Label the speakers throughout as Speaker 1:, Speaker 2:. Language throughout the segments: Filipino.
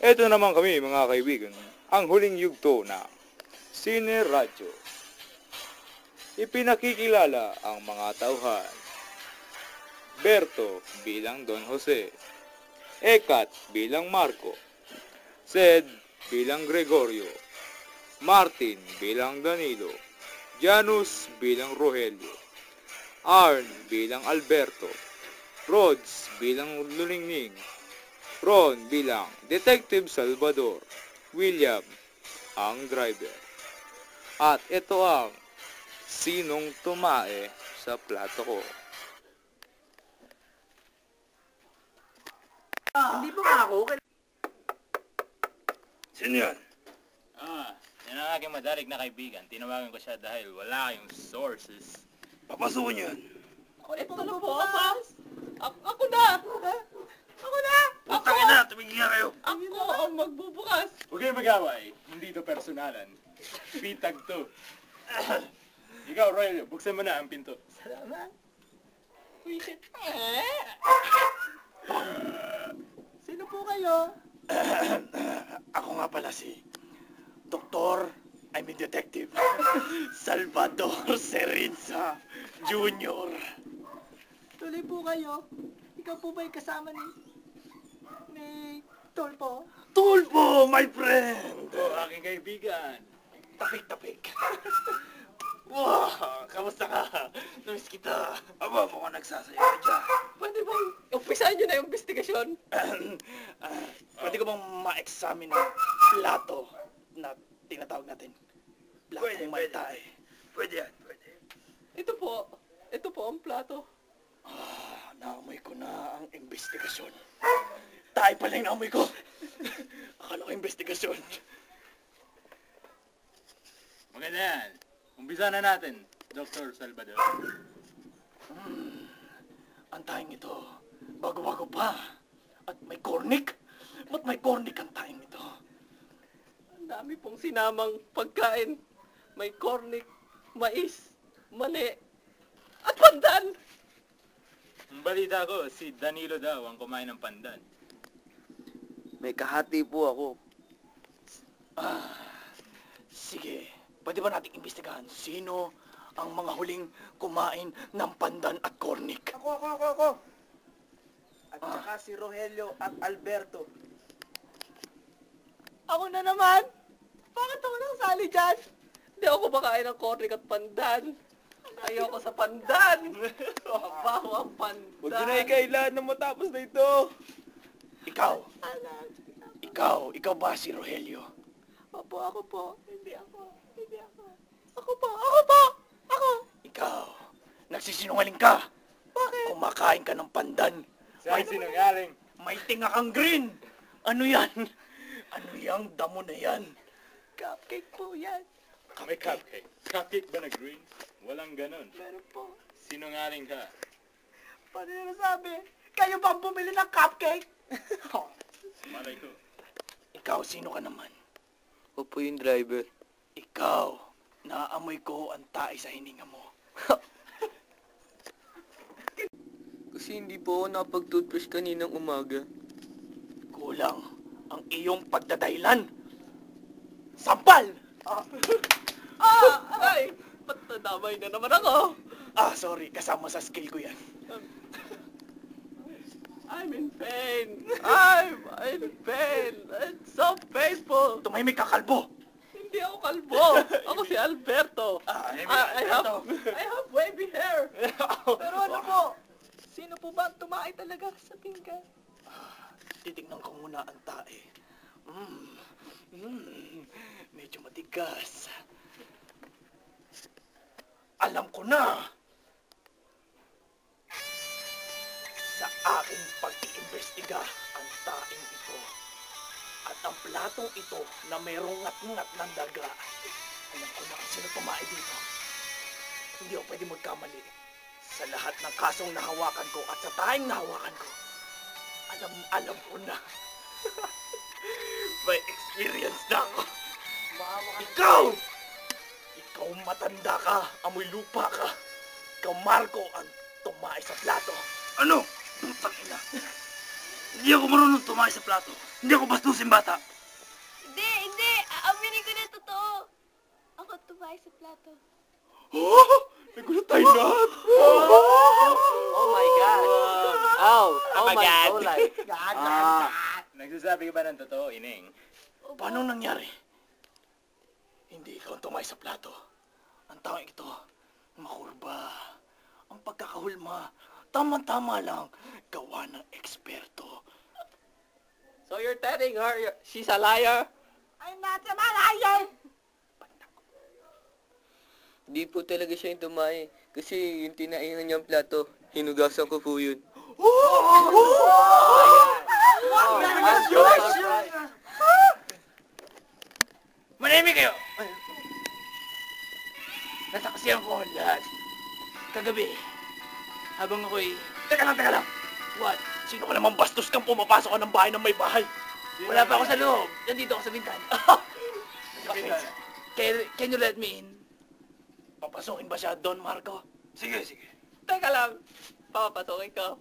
Speaker 1: Eto naman kami mga kaibigan, ang huling yugto na Sine Radyo. Ipinakikilala ang mga tauhan. Berto bilang Don Jose, Ekat bilang Marco, Sed bilang Gregorio, Martin bilang Danilo, Janus bilang Rogelio, Arn bilang Alberto, Rods bilang Luningning, Ron bilang Detective Salvador, William ang driver. At ito ang Sinong Tumae sa Plato Ko.
Speaker 2: Hindi ba nga ako?
Speaker 1: Sino yan?
Speaker 3: Yan ang aking madalig na kaibigan. Tinawagan ko siya dahil wala kayong sources.
Speaker 1: Papasukin yan.
Speaker 2: Ito na po, boss. Ako na! Ako na!
Speaker 1: Putang ina, tumigil nga kayo.
Speaker 2: Ako ang magbubukas.
Speaker 3: Huwag kayong mag-away. Hindi ito personalan. Pitag to. Ikaw, Royal, buksan mo na ang pinto.
Speaker 2: Salamat. Wait. Sino po kayo?
Speaker 4: Ako nga pala si Doktor, I mean Detective, Salvador Serizza Jr.
Speaker 2: Tuloy po kayo. Ikaw po ba yung kasama ni Tolpo?
Speaker 4: Tulpo, my friend!
Speaker 3: O, aking kaibigan.
Speaker 4: Tapik-tapik. Wow, kamusta ka? Namiss kita.
Speaker 1: Aba, mukhang nagsasayaw ka dyan.
Speaker 2: Pwede bang umpisahan nyo na yung investigasyon?
Speaker 4: Pwede ko bang ma-examine ang plato na tinatawag natin?
Speaker 1: Pwede,
Speaker 4: Platong may tae.
Speaker 1: Pwede yan, pwede.
Speaker 2: Ito po ang plato.
Speaker 4: Naamoy ko na ang investigasyon. Tae pala yung naamoy ko. Akala ko investigasyon.
Speaker 3: Maganda yan. Umpisa na natin, Dr. Salvador.
Speaker 4: Ang taing ito, bago-bago pa. At may cornic. Ba't may cornic ang taing ito?
Speaker 2: Ang dami pong sinamang pagkain. May cornic, mais, mani, at pandan.
Speaker 3: Ang balita ko, si Danilo daw ang kumain ng pandan.
Speaker 5: May kahati po ako.
Speaker 4: Sige, pwede ba nating imbestigahan sino ang mga huling kumain ng pandan at cornic?
Speaker 5: Ako. At saka si Rogelio at Alberto.
Speaker 2: Ako na naman. Bakit ako nakasali dyan? Hindi ako kumakain ng cornic at pandan. Ayoko sa pandan. Mabaho ang pandan.
Speaker 5: Huwag na ikailan na matapos na ito.
Speaker 4: Ikaw ba si Rogelio?
Speaker 2: Opo, ako po. Hindi ako. Ako.
Speaker 4: Ikaw, nagsisinungaling ka.
Speaker 2: Bakit?
Speaker 4: Kumakain ka ng pandan.
Speaker 3: Saan sinungaling?
Speaker 4: May tinga kang green. Ano yan? Ano yung damo na yan?
Speaker 2: Cupcake po yan.
Speaker 3: May cupcake. Cupcake ba na green? Walang ganon.
Speaker 2: Meron po.
Speaker 3: Sinungaling ka.
Speaker 2: Paano nyo nasabi? Kayo bang bumili ng cupcake?
Speaker 3: Malay ko.
Speaker 4: Ikaw, sino ka naman?
Speaker 5: Ako po yung driver.
Speaker 4: Ikaw, naaamoy ko ang tae sa hininga mo.
Speaker 5: Kasi hindi po ako nakapag-toothbrush kaninang umaga.
Speaker 4: Kulang ang iyong pagdadahilan. Sampal!
Speaker 2: Ay! Ba't nadamay na naman ako?
Speaker 4: Sorry, kasama sa skill ko yan.
Speaker 2: I'm in pain. I'm in pain. It's so painful.
Speaker 4: Tumahimik ka, kalbo!
Speaker 2: Hindi ako kalbo. Ako si Alberto. I have wavy hair. Pero ano po? Sino po ba ang tumae talaga sa pinggan?
Speaker 4: Titignan ko muna ang tae. Medyo matigas. Alam ko na! Sa aking pag-iimbestiga ang taing ito at ang platong ito na mayroong ngat-ngat ng daga. Alam ko na kung sino tumae dito. Hindi ako pwede magkamali. Sa lahat ng kasong nahawakan ko at sa taing nahawakan ko, alam ko na. May experience na ako. Ikaw matanda ka, amoy lupa ka. Ikaw, Marco, ang tumae sa plato.
Speaker 1: Ano?
Speaker 4: Tangina. Hindi ako marunong tumayo sa plato. Hindi ako bastusin bata.
Speaker 6: Hindi, hindi. Aaminin ko na totoo. Ako tumayo sa plato.
Speaker 3: Nagulat tayo lahat.
Speaker 2: Oh my God. Oh my
Speaker 3: God.
Speaker 2: God.
Speaker 3: Nagsasabi ka ba ng totoo, Ineng?
Speaker 4: Paano nangyari? Hindi ikaw ang tumayo sa plato. Ang taong ito, makurba. Ang pagkakahulma, tama-tama lang, gawa ng eksperto.
Speaker 2: So you're telling her she's a liar?
Speaker 5: I'm not a malayo!
Speaker 7: Di po talaga siya yung tumae. Kasi yung tinainan niyang plato, hinugasan ko po yun.
Speaker 4: Manahimik kayo! Nasaksiyan ko ang lahat. Kagabi, habang ako'y... Teka lang! What? Sino ka namang bastos kang pumapasok ka ng bahay ng may bahay? Wala pa ako sa loob. Nandito ako sa bintana. Can you let me in? Papasokin ba siya, Don Marco? Sige.
Speaker 2: Teka lang. Papapasukin ko.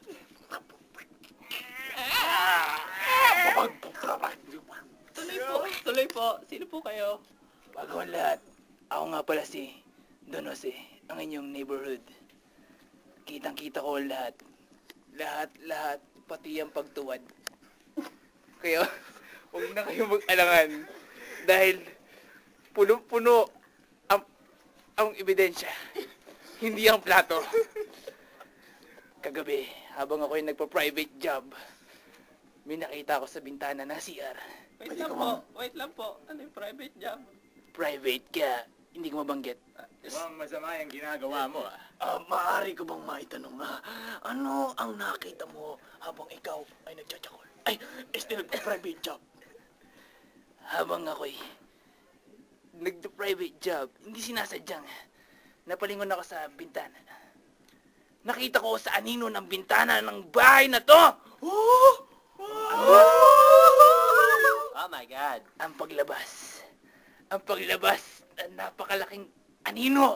Speaker 2: Tuloy po. Sino po kayo?
Speaker 4: Bago ang lahat, ako nga pala si Don Jose, ang inyong neighborhood. Kitang-kita ko ang lahat. Lahat, pati ang pagtuwad.
Speaker 7: Kaya, huwag na kayo mag-alangan. Dahil, puno-puno ang ebidensya. Hindi ang plato.
Speaker 4: Kagabi, habang ako'y nagpa-private job, may nakita ako sa bintana na CR.
Speaker 2: Wait lang po. Ano yung private job?
Speaker 4: Private ka, hindi ko mabanggit.
Speaker 3: Mukhang masama yung ginagawa mo,
Speaker 4: Maaari ko bang maitanong ano ang nakita mo habang ikaw ay nagtsatsyakol? Ay, still nagpa-private job. Habang ako'y nagpa-private job, hindi sinasadyang napalingon ako sa bintana. Nakita ko sa anino ng bintana ng bahay na to!
Speaker 2: Oh my God.
Speaker 4: Ang paglabas ng napakalaking anino.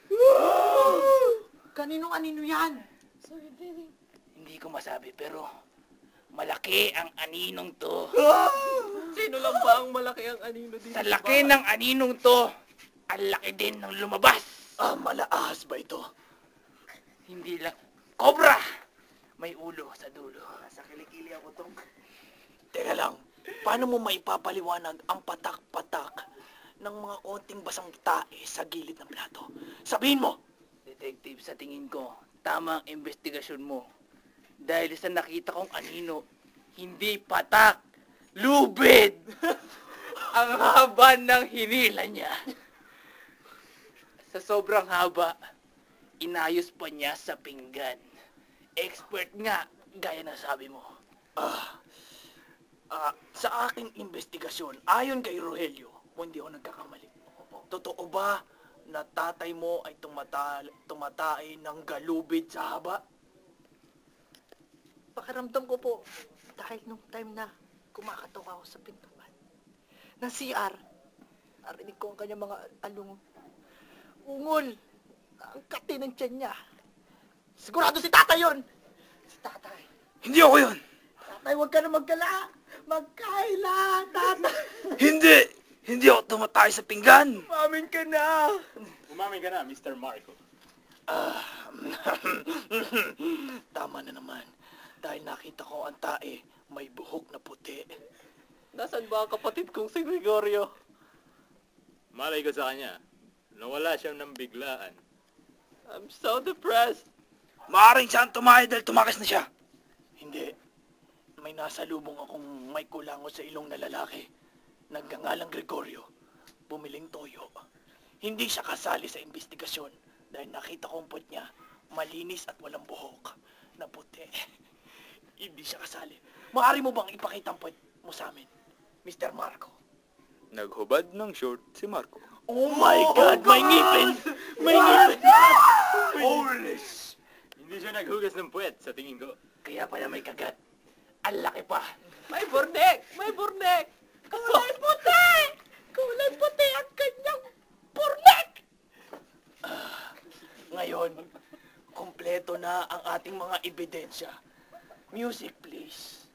Speaker 5: Kaninong anino yan?
Speaker 4: Hindi ko masabi pero malaki ang aninong to.
Speaker 2: Sino lang ba ang malaki ang anino dito?
Speaker 4: Sa laki ng aninong to, ang laki din ng lumabas. Malaahas ba ito? Hindi lang. Cobra! May ulo sa dulo.
Speaker 5: Sa kilikili ako tong.
Speaker 4: Teka lang, paano mo maipapaliwanag ang patak-patak ng mga konting basang tae sa gilid ng plato? Sabihin mo! Detective, sa tingin ko, tama ang investigasyon mo. Dahil sa nakita kong anino, hindi patak, lubid! Ang haba ng hinila niya. Sa sobrang haba, inayos pa niya sa pinggan. Expert nga, gaya na sabi mo. Sa aking investigasyon, ayon kay Rogelio, kung hindi ako nagkakamali, totoo ba na tatay mo ay tumatay ng galubid sa haba?
Speaker 5: Pakiramdam ko po, dahil nung time na kumakatok ako sa pintuan ng CR, narinig ko ang kanyang mga ungol, ang kati ng tiyan niya. Sigurado si tatay yun! Si tatay.
Speaker 4: Hindi ako yun!
Speaker 5: Tatay, huwag ka na magkala! Magkaila, tatay!
Speaker 4: Hindi ako tumatay sa pinggan!
Speaker 5: Umamin ka na!
Speaker 3: Umamin ka na, Mr. Marco.
Speaker 4: Tama na naman. Dahil nakita ko ang tae, may buhok na puti.
Speaker 2: Nasaan ba ang kapatid kong si Gregorio?
Speaker 3: Malay ko sa kanya. Nawala siya ng biglaan.
Speaker 2: I'm so depressed.
Speaker 4: Maaring siyang tumae dahil tumakas na siya. Hindi. May nasalubong akong may kulango sa ilong na lalaki. Nagngangalang Gregorio. Bumiling toyo. Hindi siya kasali sa investigasyon dahil nakita kong puwet niya malinis at walang buhok na puti. Hindi siya kasali. Maaari mo bang ipakita ang puwet mo sa amin, Mr. Marco?
Speaker 1: Naghubad ng short si Marco.
Speaker 4: Oh my God! May ngipin! May ngipin!
Speaker 3: Holy Hindi siya naghugas ng puwet, sa tingin ko.
Speaker 4: Kaya pala may kagat. Ang laki pa.
Speaker 2: May burnek! May burnek!
Speaker 5: Kulay puti! Kulay puti ang kanyang burnek!
Speaker 4: Ngayon, kompleto na ang ating mga ebidensya. Music, please.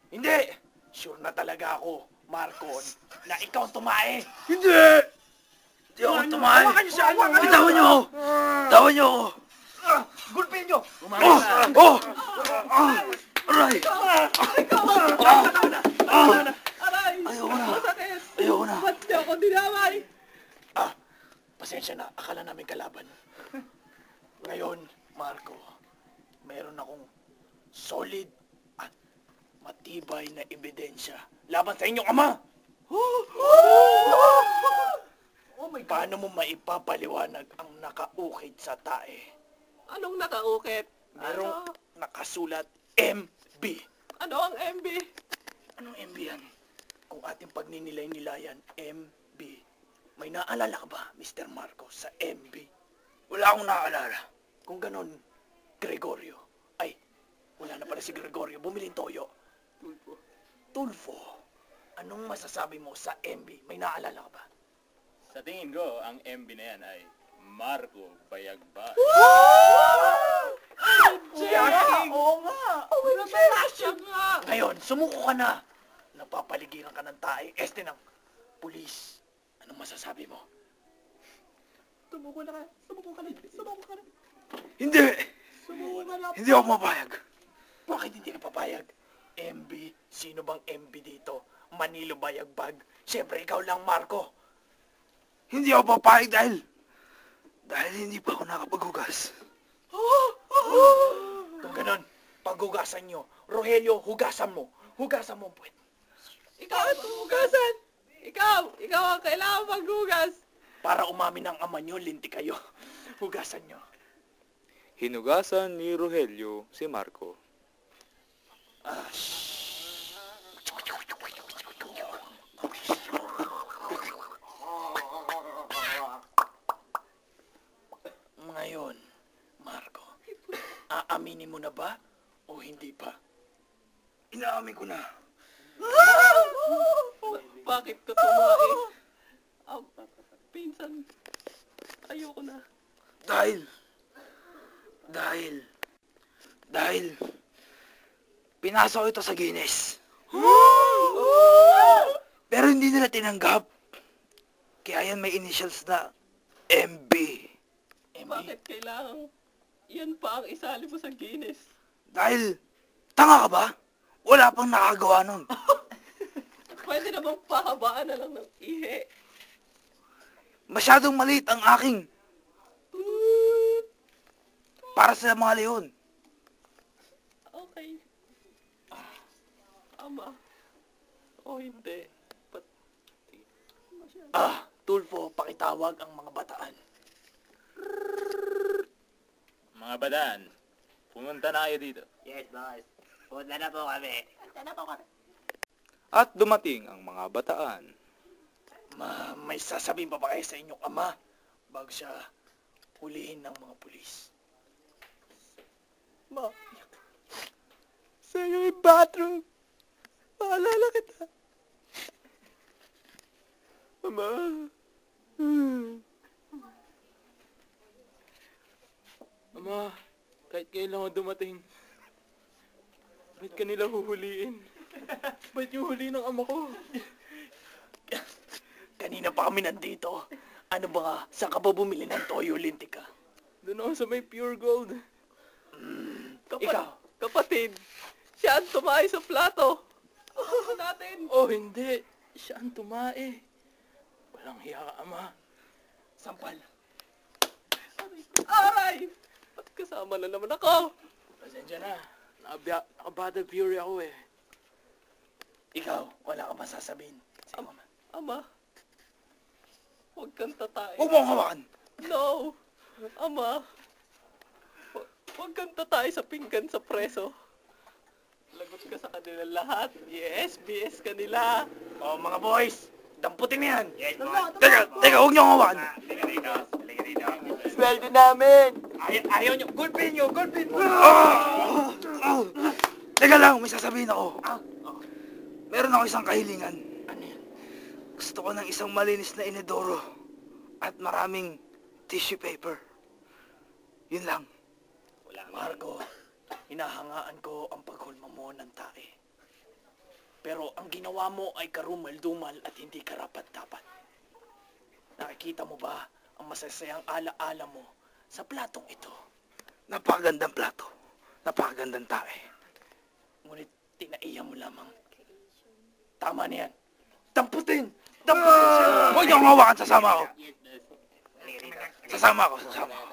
Speaker 4: Hindi! Sure na talaga ako, Marco, na ikaw ang tumae.
Speaker 3: Hindi ako tumae. Bitawan niyo ako. Bitawan niyo ako.
Speaker 5: Gulpin nyo!
Speaker 3: Aray!
Speaker 2: Aray!
Speaker 3: Ayoko na.
Speaker 2: Masakit!
Speaker 3: Ayoko na.
Speaker 2: Ba't di ako dinamay?
Speaker 4: Pasensya na, akala namin kalaban. Ngayon, Marco, meron akong solid at matibay na ebidensya laban sa inyong ama.
Speaker 5: Oh my God!
Speaker 4: Paano mo maipapaliwanag ang nakaukit sa tae?
Speaker 2: Anong nakaukit?
Speaker 4: Merong nakasulat MB.
Speaker 2: Ano ang MB?
Speaker 4: Anong MB yan? Kung ating pagninilay-nilayan, MB. May naalala ka ba, Mr. Marco, sa MB?
Speaker 3: Wala akong naaalala.
Speaker 4: Kung ganon, Gregorio. Ay, wala na pala si Gregorio. Bumiling toyo. Tulfo. Anong masasabi mo sa MB? May naalala ka ba?
Speaker 3: Sa tingin ko, ang MB na yan ay Marco Bayagbay.
Speaker 5: Oo nga!
Speaker 2: Siya nga!
Speaker 4: Ngayon, sumuko ka na. Napapaligiran ka ng tae. Este ng pulis. Anong masasabi mo?
Speaker 2: Sumuko na ka. Sumuko ka na. Sumuko ka na.
Speaker 3: Hindi!
Speaker 2: Sumuko ka na.
Speaker 3: Hindi ako mapayag.
Speaker 4: Bakit hindi ka papayag? MB? Sino bang MB dito? Manilo Bayagbag? Siyempre, ikaw lang, Marco.
Speaker 3: Hindi ako papayag dahil hindi pa ako nakapaghugas.
Speaker 4: Kung ganon, paghugasan nyo. Rogelio, hugasan mo. Hugasan mo ang puwet.
Speaker 2: Ikaw ang hugasan! Ikaw ang kailangan maghugas!
Speaker 4: Para umamin ang ama nyo, linti kayo. Hugasan nyo.
Speaker 1: Hinugasan ni Rogelio si Marco.
Speaker 4: Ngayon, Marco, aaminin mo na ba o hindi pa?
Speaker 3: Inaamin ko na.
Speaker 2: Bakit ka tumae? Pinsan, ayoko na.
Speaker 3: Dahil pinasok ito sa Guinness. Pero hindi nila tinanggap. Kaya yan may initials na MB.
Speaker 2: Bakit kailangan yan pa ang isali mo sa Guinness?
Speaker 3: Dahil, tanga ka ba? Wala pang nakagawa nun.
Speaker 2: Pwede na bang pahabaan na lang ng ihe?
Speaker 3: Masyadong maliit ang aking para sa mga leon.
Speaker 2: Okay. Ama. O hindi.
Speaker 4: Tulfo, pakitawag ang mga bataan.
Speaker 3: Mga badaan, pumunta na kayo dito.
Speaker 4: Yes, boss. Punta na po kami.
Speaker 1: At dumating ang mga bataan.
Speaker 4: May sasabihin pa ba kayo sa inyong ama bago siya hulihin ng mga pulis?
Speaker 2: Ma. Sa yung bathroom. Maalala kita. Ama.
Speaker 3: Ama, kahit kailan ako dumating, ba't ka nila huhuliin? Ba't yung huli ng ama ko?
Speaker 4: Kanina pa kami nandito. Ano ba nga? Saan ka ba bumili ng toyo, lintika?
Speaker 3: Doon ako sa may pure gold.
Speaker 4: Ikaw?
Speaker 2: Kapatid, siya ang tumayo sa plato. Natin.
Speaker 3: Oh, hindi. Siya ang tumae. Walang hiya ka, ama.
Speaker 4: Sampal.
Speaker 2: Aray! Ba't kasama na naman ako?
Speaker 3: Pasensya na. Naka-battle fury ako eh.
Speaker 4: Ikaw, wala ka ba sasabihin? Sa mama.
Speaker 2: Ama, huwag kang tatay.
Speaker 3: Huwag mo akong hawakan.
Speaker 2: No! Ama, huwag kang tatay sa pinggan sa preso. Lagot ka sa kanila lahat. Yes, BS kanila.
Speaker 4: Oh, mga boys, damputin mo yan. Yes, boss.
Speaker 3: Teka, huwag niyo akong hawakan.
Speaker 4: Liga dito. Liga dito.
Speaker 2: Sweldo namin!
Speaker 4: Ayaw nyo. Gulpin nyo. Gulpin mo.
Speaker 3: Teka lang, may sasabihin ako. Meron ako isang kahilingan.
Speaker 4: Ano yan?
Speaker 3: Gusto ko ng isang malinis na inodoro at maraming tissue paper. Yun lang.
Speaker 4: Marco, hinahangaan ko ang paghulma mo ng tae. Pero ang ginawa mo ay karumal-dumal at hindi karapat-dapat. Nakikita mo ba ang masasayang ala-ala mo sa platong ito?
Speaker 3: Napakagandang plato. Napakagandang tae.
Speaker 4: Ngunit tinaiya mo lamang. Tama na yan. Damputin! Damputin siya!
Speaker 3: Huwag niyong hawakan, sasama ako. Sasama ako.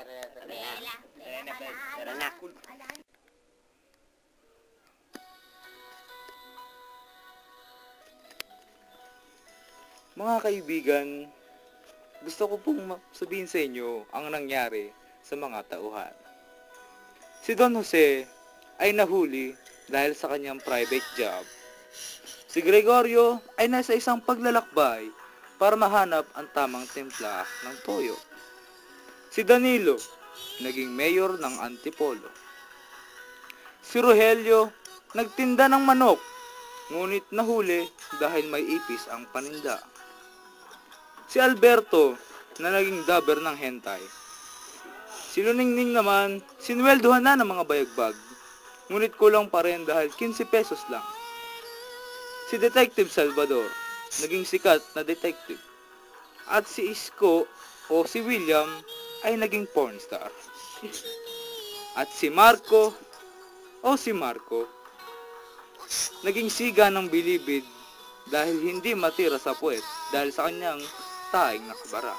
Speaker 1: Mga kaibigan, gusto ko pong sabihin sa inyo ang nangyari sa mga tauhan. Si Don Jose ay nahuli dahil sa kanyang private job. Si Gregorio ay nasa isang paglalakbay para mahanap ang tamang timpla ng toyo. Si Danilo, naging mayor ng Antipolo. Si Rogelio, nagtinda ng manok, ngunit nahuli dahil may ipis ang paninda. Si Alberto, na naging dabber ng hentai. Si Luningning naman, sinweldohan na ng mga bayagbag, ngunit kulang pa rin dahil 15 pesos lang. Si Detective Salvador, naging sikat na detective. At si Isko o si William ay naging pornstar. At si Marco o si Marco, naging siga ng bilibid dahil hindi matira sa puwet dahil sa kanyang taing nakabara.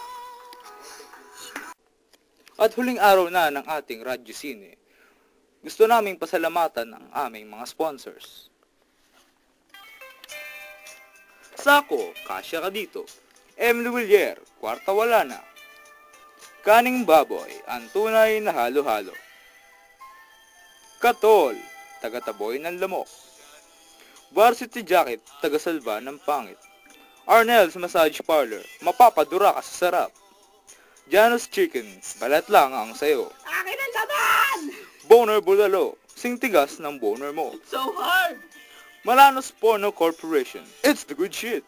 Speaker 1: At huling araw na ng ating Radyo Sine, gusto naming pasalamatan ang aming mga sponsors. Sako, kasya ka dito. Emily Villier, kwarta wala na. Kaning baboy, ang tunay na halo-halo. Katol, taga-taboy ng lamok. Varsity Jacket, taga-salba ng pangit. Arnell's Massage Parlor, mapapadura ka sa sarap. Janus Chicken, balat lang ang sayo.
Speaker 2: Akin ang laban!
Speaker 1: Boner Bulalo, singtigas ng boner mo.
Speaker 2: So hard!
Speaker 1: Malanos Porno Corporation, it's the good shit.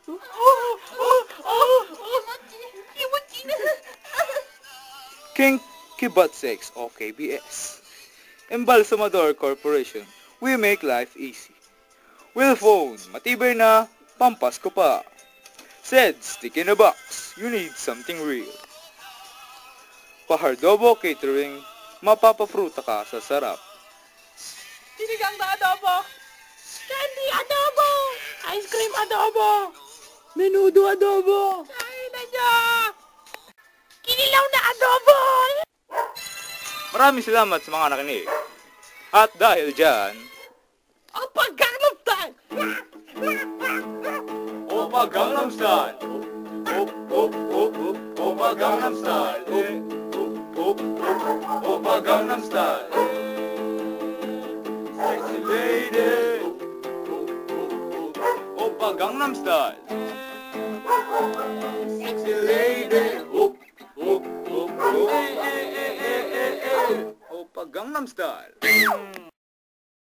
Speaker 1: King Kibat Sex o KBS. Embalsamador Corporation, we make life easy. Will Phone, matibay na, pampas ko pa. Said, stick in a box, you need something real. Pahardobo Catering, mapapafruta ka sa sarap.
Speaker 2: Sinigang na adobo! Candy adobo! Ice cream adobo!
Speaker 3: Menudo adobo!
Speaker 2: Kainan niya! Kinilaw na adobo!
Speaker 1: Maraming salamat sa mga nakinig. At dahil dyan,
Speaker 2: Opa Gangnam Style!
Speaker 1: Opa Gangnam Style! Opa Gangnam Style! Opa Gangnam Style! Sexy lady! Opa Gangnam Style! Sexy lady! Opa Gangnam Style!